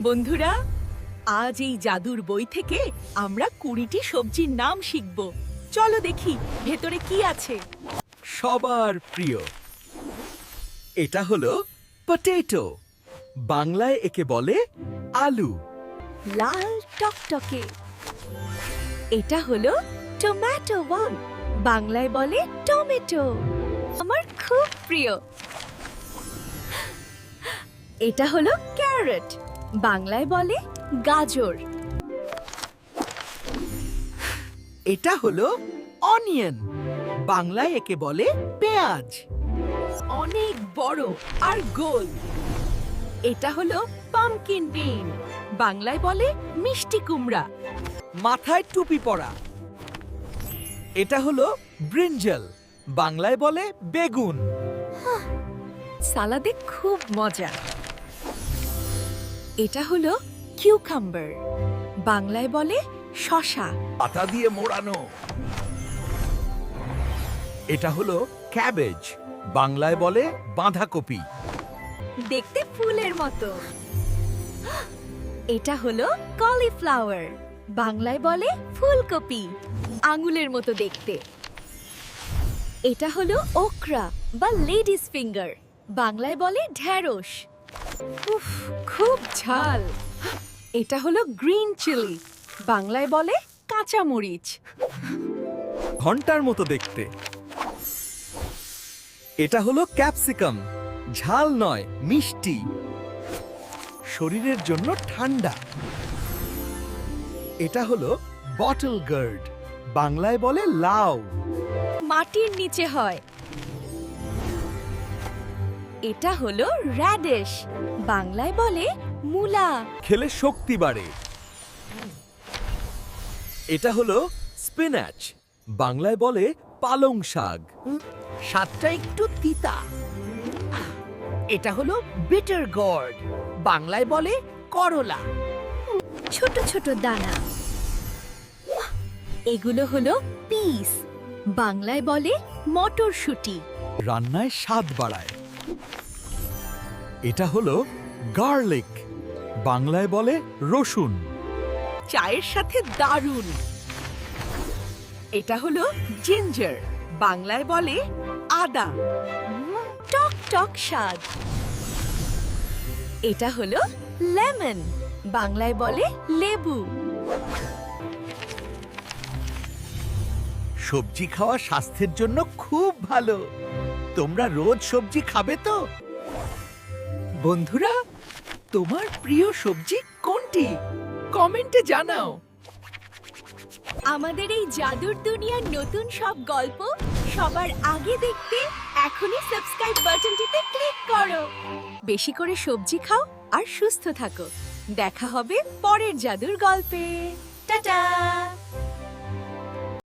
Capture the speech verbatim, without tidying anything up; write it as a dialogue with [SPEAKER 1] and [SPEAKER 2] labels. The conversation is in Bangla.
[SPEAKER 1] বন্ধুরা, আজ এই জাদুর বই থেকে আমরা কুড়িটি সবজির নাম শিখব। চলো দেখি ভেতরে কি আছে।
[SPEAKER 2] সবার প্রিয় এটা হলো পটেটো। বাংলায় একে বলে আলু।
[SPEAKER 1] লাল টকটকে। এটা হলো টমেটো ওয়ান, বাংলায় বলে টমেটো। আমার খুব প্রিয়। এটা হলো ক্যারট, বাংলায় বলে গাজর।
[SPEAKER 2] এটা হলো অনিয়ন। বাংলায় একে বলে পেঁয়াজ।
[SPEAKER 1] অনেক বড় আর গোল। এটা হলো পামকিন বিন, বাংলায় বলে মিষ্টি কুমড়া।
[SPEAKER 2] মাথায় টুপি পরা। এটা হলো ব্রিঞ্জাল। বাংলায় বলে বেগুন।
[SPEAKER 1] সালাদে খুব মজা। এটা হলো কিউকাম্বার, বাংলায় বলে শসা।
[SPEAKER 2] পাতা দিয়ে মোড়ানো। এটা হলো ক্যাবেজ। বাংলায় বলে বাঁধাকপি।
[SPEAKER 1] দেখতে ফুলের মতো। এটা হলো কলিফ্লাওয়ার, বাংলায় বলে ফুলকপি, আঙুলের মতো দেখতে। এটা হলো ওকরা বা লেডিস ফিঙ্গার, বাংলায় বলে ঢ্যাঁড়স। উফ, খুব ঝাল। এটা হলো গ্রিন চিলি, বাংলায় বলে কাঁচা মরিচ।
[SPEAKER 2] ঘন্টার মতো দেখতে। এটা হলো ক্যাপসিকাম। ঝাল নয়, মিষ্টি। শরীরের জন্য ঠান্ডা। এটা হলো বটল গার্ড। বাংলায় বলে লাউ।
[SPEAKER 1] মাটির নিচে হয়। এটা হলো র্যাডিশ, বাংলায় বলে মূলা।
[SPEAKER 2] খেলে শক্তি বাড়ে। এটা হলো স্পিনাচ। বাংলায় বলে পালং শাক।
[SPEAKER 1] স্বাদটা একটু তিতা। এটা হলো বিটার গর্ড, বাংলায় বলে করলা। ছোট ছোট দানা। এগুলো হলো পিস, বাংলায় বলে মটরশুঁটি।
[SPEAKER 2] রান্নায় স্বাদ বাড়ায়। এটা হলো গার্লিক। বাংলায় বলে রসুন।
[SPEAKER 1] চায়ের সাথে দারুণ। এটা হলো জিঞ্জার, বাংলায় বলে আদা। টক টক স্বাদ। এটা হলো লেমন, বাংলায় বলে লেবু।
[SPEAKER 2] সবজি খাওয়া স্বাস্থ্যের জন্য খুব ভালো। তোমরা রোজ সবজি খাবে তো? বন্ধুরা, তোমার প্রিয় সবজি কোনটি? কমেন্টে জানাও।
[SPEAKER 1] আমাদের এই জাদুর দুনিয়ার নতুন সব গল্প সবার আগে দেখতে এখনই সাবস্ক্রাইব বাটনটিতে ক্লিক করো। বেশি করে সবজি খাও আর সুস্থ থাকো। দেখা হবে পরের জাদুর গল্পে। টাটা।